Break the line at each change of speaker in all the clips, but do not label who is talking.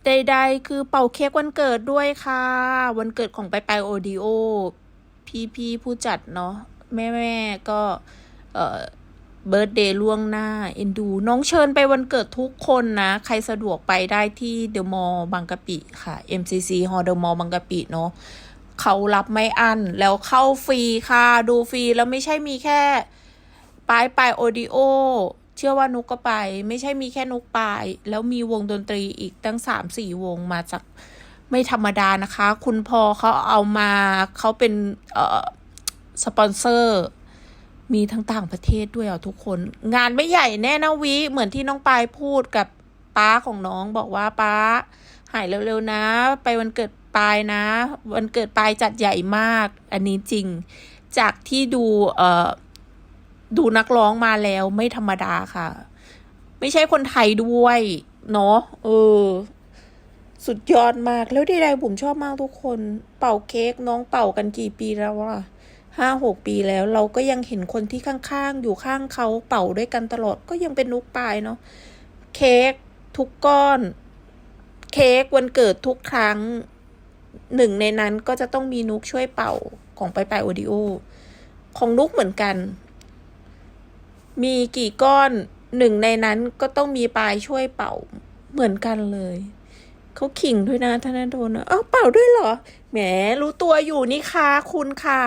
ใดๆคือเป่าเค้กวันเกิดด้วยค่ะวันเกิดของไปโอดีโอพี่ผู้จัดเนาะแม่ก็เอ่อเบิร์ธเดย์ล่วงหน้าเอ็นดูน้องเชิญไปวันเกิดทุกคนนะใครสะดวกไปได้ที่เดอะมอลล์บางกะปิค่ะ MCC ฮอลล์เดอะมอลล์บางกะปิเนาะเขารับไม่อั้นแล้วเข้าฟรีค่ะดูฟรีแล้วไม่ใช่มีแค่ไปโอดีโอเชื่อว่านุกก็ไปไม่ใช่มีแค่นุกไปแล้วมีวงดนตรีอีกตั้ง3-4 วงมาจากไม่ธรรมดานะคะคุณพ่อเขาเอามาเขาเป็นสปอนเซอร์มีทั้งต่างประเทศด้วยอ่ะทุกคนงานไม่ใหญ่แน่นะวิเหมือนที่น้องปายพูดกับป้าของน้องบอกว่าป้าหายเร็วๆนะไปวันเกิดปายนะวันเกิดปายจัดใหญ่มากอันนี้จริงจากที่ดูนักร้องมาแล้วไม่ธรรมดาค่ะ ไม่ใช่คนไทยด้วยเนาะสุดยอดมากแล้วใดๆผมชอบมากทุกคนเป่าเค้กน้องเป่ากันกี่ปีแล้ววะ5-6 ปีแล้วเราก็ยังเห็นคนที่ข้างๆอยู่ข้างเขาเป่าด้วยกันตลอดก็ยังเป็นนุกปายเนาะเค้กทุกก้อนเค้กวันเกิดทุกครั้งหนึ่งในนั้นก็จะต้องมีนุกช่วยเป่าของไปโอดิโอของนุกเหมือนกันมีกี่ก้อนหนึ่งในนั้นก็ต้องมีปายช่วยเป่าเหมือนกันเลยเขาขิงด้วยนะธนดลเอ้าเป่าด้วยเหรอแหมรู้ตัวอยู่นี่คะคุณขา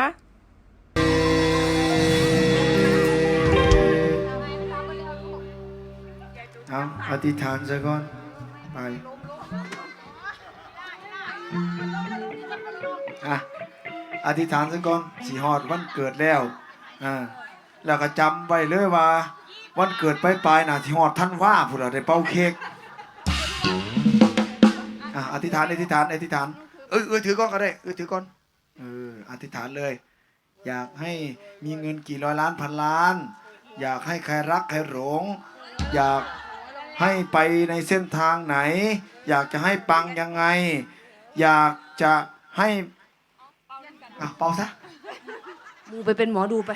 เอาอธิษฐานซะก่อนไปอธิษฐานซะก่อนสิฮอดวันเกิดแล้วแล้วก็จำไว้เลยว่าวันเกิดปลายน่ะสิฮอดท่านว่าพุ่นล่ะได้เป่าเค้กอธิษฐานถือก่อนก็ได้ถือก่อนอธิษฐานเลยอยากให้มีเงินกี่ร้อยล้านพันล้านอยากให้ใครรักใครหลงอยากให้ไปในเส้นทางไหนอยากจะให้ปังยังไงอยากจะให้เป่าซะ
มูไปเป็นหมอดูไป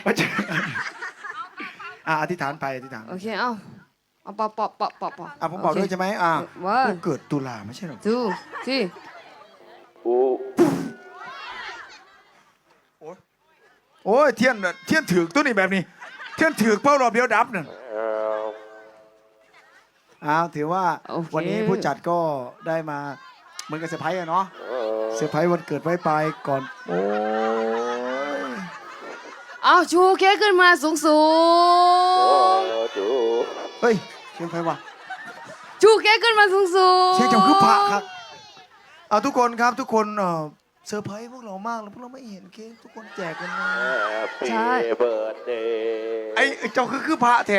อธิษฐานไปอธิษฐาน
โอเคเอาปอ
ผมบอกด้วยใช่ไหม
ว่า
เกิดตุลาไม่ใช่หรอ
ดูที่
โอ้ยเทียนถือตัวนี้แบบนี้เทียนถือเป้ารอบเดียวดับเนี่ยถือว่าวันนี้ผู้จัดก็ได้มาเหมือนกับเซอร์ไพรส์เนาะเซอร์ไพรส์วันเกิดไว้ไปก่อนโอ้ย
เอาชูเค้กขึ้นมาสูง
เฮ้ยเชียงไพวะ
ชูเค้กขึ้นมาสูง
เชียงจำคือพระครับทุกคนครับทุกคนเซอร์ไพรส์พวกเรามากแล้วพวกเราไม่เห็นเค้กทุกคนแจกกันนะ
ใช่
เบิร์ดเดย์
ไอ้เจ้าคือพระแท้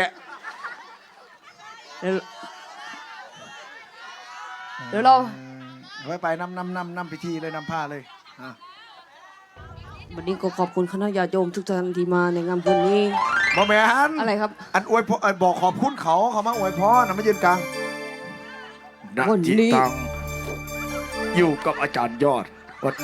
เดี๋ยวเรา
ไปนำพิธีเลยนำผ้าเลย
วันนี้ก็ขอบคุณคณะญาติโยมทุกท่านที่มาในงานบุญนี้
บอแมน
อะไรครับ
อันอวยพรบอกขอบคุณเขามาอวยพรนะไม่ยืนกลาง
วันนี้
อยู่กับอาจารย์ยอด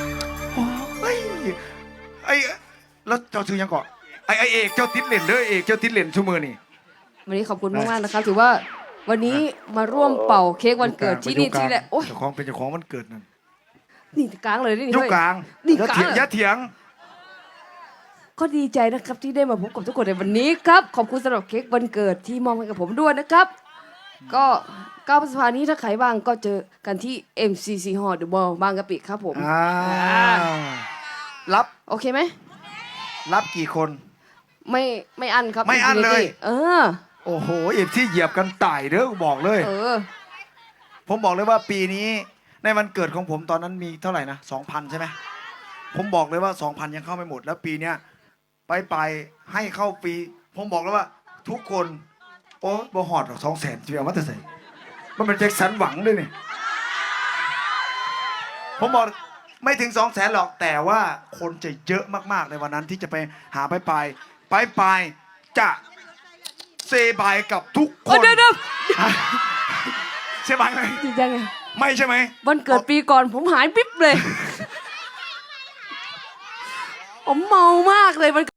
แล้วเจ้าชื่อยังก่อนไอเอกเจ้าติดเหรียญเลยเอกเจ้าติดเหรียญชั่วมือนี่
วันนี้ขอบคุณมากๆนะครับถือว่าวันนี้มาร่วมเป่าเค้กวันเกิดที่นี่ที่แหละโอ้ย
เจ้าของเป็นเจ้าของวันเกิดนั่น
นี่กลางเลยนี่
ยุคกลาง
นี่กลาง
อย่าเถียง
ก็ดีใจนะครับที่ได้มาพบกับทุกคนในวันนี้ครับขอบคุณสำหรับเค้กวันเกิดที่มอบให้กับผมด้วยนะครับก็9 พฤษภาคมนี้ถ้าใครว่างก็เจอกันที่ MCC Hall The Mall บางกะปิครับผม
รับ
โอเคไหม
รับกี่คน
ไม่อั้นครับ
ไม่อั้นเลย
โอ้
โหที่เหยียบกันตายเด้อบอกเลยผมบอกเลยว่าปีนี้ในวันเกิดของผมตอนนั้นมีเท่าไหร่นะ 2,000 ใช่ไหมผมบอกเลยว่า 2,000 ยังเข้าไม่หมดแล้วปีเนี้ยไปให้เข้าฟรีผมบอกเลยว่าทุกคนโอ้บ่หอดหรอก200,000จะเอามาแต่ใส่มันเป็นแจ็คสันหวังด้วยนี่ผมบอกไม่ถึง200,000หรอกแต่ว่าคนจะเยอะมากๆในวันนั้นที่จะไปหาไปจะเซบายกับทุกคน
เดี๋ยว
เซบายไหม
จริงจังไง
ไม่ใช่ไหม
วันเกิดปีก่อนผมหายปิ๊บเลยผมเมามากเลย